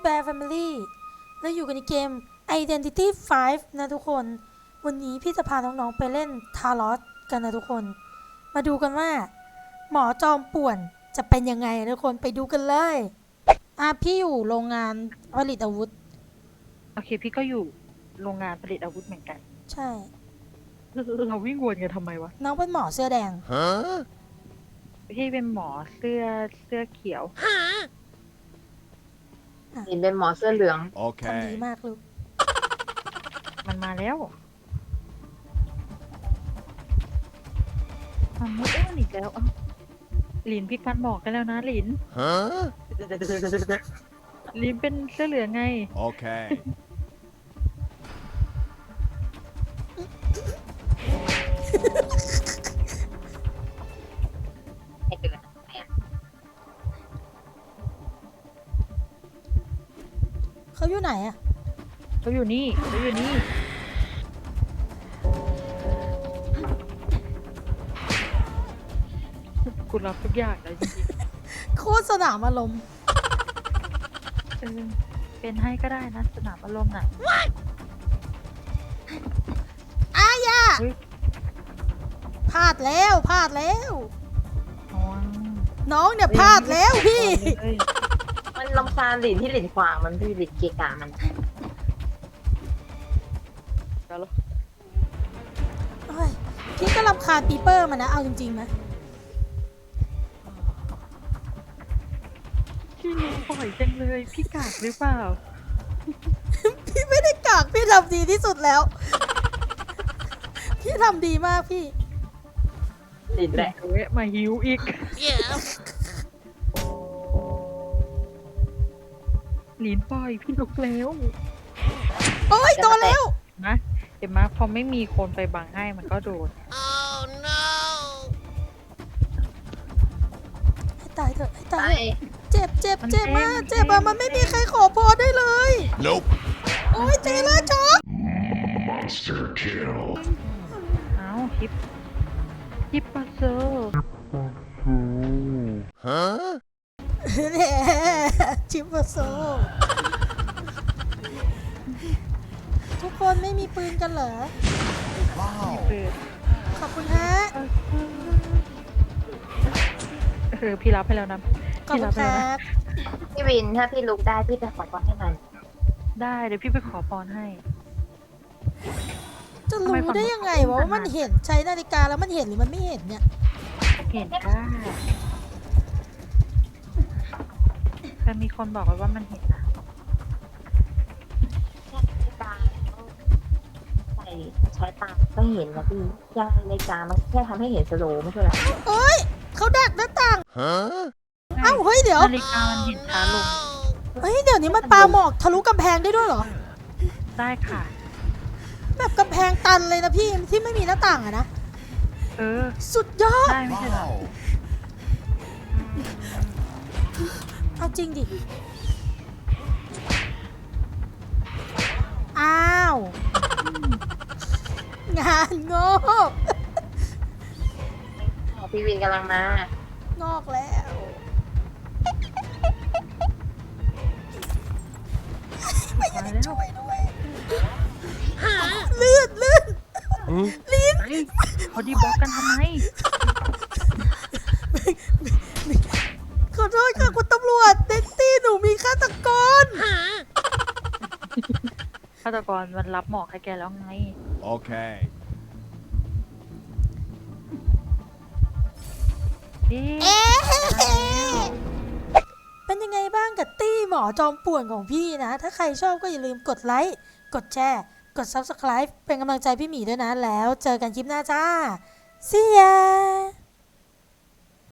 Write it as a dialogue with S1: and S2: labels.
S1: Bear Family แล้วอยู่กันในเกม Identity 5 นะทุกคน วันนี้พี่จะพาน้องๆไปเล่นทารอสกันนะทุกคน มาดูกันว่า หมอจอมป่วนจะเป็นยังไงทุกคนไปดูกันเลยพี่อยู่โรงงานผลิตอาวุธ
S2: โอเคพี่ก็อยู่โรงงานผลิตอาวุธเหมือนกัน
S1: ใช่
S2: เราวิ่งวนกันทำไมวะ
S1: น้องเป็นหมอเสื้อแดง
S2: พี่เป็นหมอเสื้อเขียว
S3: เห็นเป็นหมอเสื้อเหลือง
S1: ทำดี
S4: Okay.
S1: มากลูก
S2: มันมาแล้วมันไม่อ้วนอีกแล้วเอ้าหลินพี่กันบอกกันแล้วนะหลิน
S4: Huh?
S2: หลินเป็นเสื้อเหลืองไง
S4: Okay.
S3: ให้เกิด
S1: เขาอยู่ไหนอะ
S2: เขาอยู่นี่กูรับทุกอย่างเลยจริง
S1: โคตรสนามอารมณ์
S2: ๆเป็นให้ก็ได้นะสนามอารมณ์น่ะ
S1: ย่า
S2: เฮ้ย
S1: พลาดแล้ว
S2: อ๋อ
S1: น้องเนี่ยพลาดแล้วพี่
S2: เฮ้ย
S3: มันลำคาญหลินที่หลินขวางมันพี่หลินเกะกะมัน
S2: เดี๋ยวเรา
S1: เฮ้ยพี่ก็รำคาญปีเปอร์มันนะ เอาจริงๆนะ
S2: พี่หลินปล่อยจังเลยพี่กากหรือเปล่า
S1: พี่ไม่ได้กากพี่ทำดีที่สุดแล้ว พี่ทำดีมากพี่
S3: หลินแหละ
S2: เวะมาหิวอีก หลินปล่อยพี่ลุกแล้ว
S1: โอ้ยโดนแล้ว
S2: นะเห็นไหมพอไม่มีคนไปบังให้มันก็โดน
S1: ให้ตายเถอะให้ตา
S3: ไป
S1: ยเจ็บมากเจ็บอะมันไม่มีใครขอพรได้เลย
S4: Nope.
S1: โอ้ยเจล่าช็อก
S4: Monster kill.
S2: เอ้าฮิปปะเซอร์
S4: Huh?
S1: แหน่ชิปเปอร์โซ ทุกคนไม่มีปืนกันเหรอ
S4: Wow.
S2: เปิด
S1: ขอบคุณฮะ
S2: พี่รับให้แล้วนะ
S1: ขอบ
S2: พี่
S1: คุ
S2: รั
S1: ณ
S2: บ
S1: ค
S2: ให้
S1: รั
S2: แล้วนะ
S1: บ
S3: พี่วินถ้าพี่ลุกได้พี่จะขอพรให้หน่อย
S2: ได้เดี๋ยวพี่ไปขอพรให้
S1: จะรู้ได้ยังไงวะว่ามันเห็นใช้นาฬิกาแล้วมันเห็นหรือมันไม่เห็นเนี่ย
S2: เห็นได้แต่มีคนบอกไว้ว่ามันเห็นนะ
S3: แค่นาฬิกาแล้วใส่ใช้ตาก็เห็นนะพี่แค่นาฬิกามันแค่ทำให้เห็นสโลว์ไม่ใช่เหรอ
S1: โอ้ยเขาดักหน้าต่าง
S4: Huh?
S1: เอ้าเฮ้ยเดี๋ยว
S2: นาฬิกามันเห็นช้าลง
S1: เฮ้ยเดี๋ยวนี้มันปาหมอกทะลุกำแพงได้ด้วยเหรอ
S2: ได้ค่ะ
S1: แบบกำแพงตันเลยนะพี่ที่ไม่มีหน้าต่างอะนะ
S2: เออ
S1: สุดยอด
S2: ได้ไม่ใช่เหรอ
S4: Wow.
S1: เอาจริงดิ อ้าว งานงอก
S3: พี่วินกำลังมาง
S1: อกแล้วไม่อยาก
S2: มา
S1: จะ
S2: แล้ว
S1: ช่วยด้วยลื่น
S4: Huh?
S1: ลิ้น
S2: เฮ้ยพอดีบล็อกกันทำไม
S1: ขอโทษค่ะคุณตำรวจเด็กตี้หนูมีฆาตกร
S2: ฆาตกรมันรับหมอกให้แกแล้วไง
S4: Okay.
S2: เอ๊ะ
S1: เอ๊ะเป็นยังไงบ้างกับตี้หมอจอมป่วนของพี่นะ ถ้าใครชอบก็อย่าลืมกดไลค์ กดแชร์ กด Subscribe เป็นกำลังใจพี่หมีด้วยนะ แล้วเจอกันคลิปหน้าจ้า See ya